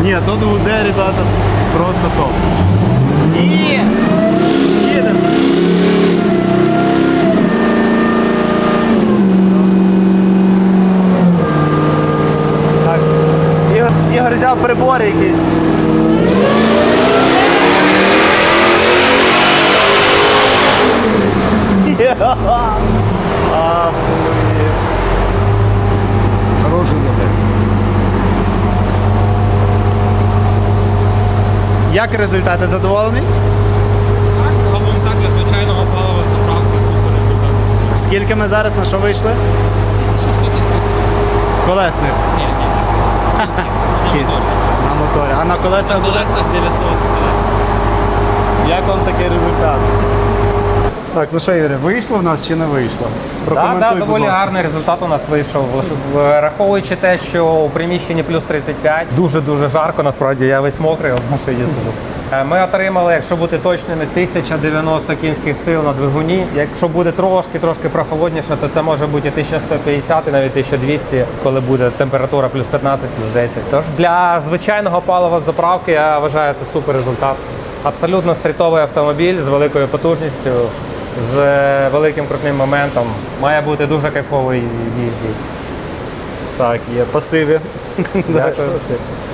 Ні, тут УД, ребята, просто топ. І їдемо. Так, Ігор взяв прибори якісь. Хороший модель. Як результати, задоволений? Так, загалом так, для звичайного палива заправки супер результат. Скільки ми зараз на що вийшли? 630. Колесних. Ні, ні. На моторі. А на колесах На буде? колесах 900. Як вам такий результат? Так, ну що, Ігоре, вийшло в нас чи не вийшло? Так, доволі гарний результат у нас вийшов. Враховуючи те, що у приміщенні плюс 35, дуже-дуже жарко, насправді я весь мокрий, в машині сиджу. Ми отримали, якщо бути точними, 1090 кінських сил на двигуні. Якщо буде трошки прохолодніше, то це може бути 1150 і навіть 1200, коли буде температура плюс 15, плюс 10. Тож для звичайного палива з заправки я вважаю це супер результат. Абсолютно стрітовий автомобіль з великою потужністю, з великим крутним моментом. Має бути дуже кайфовий в їзді. Так, є пасиві. Дякую. Пасив.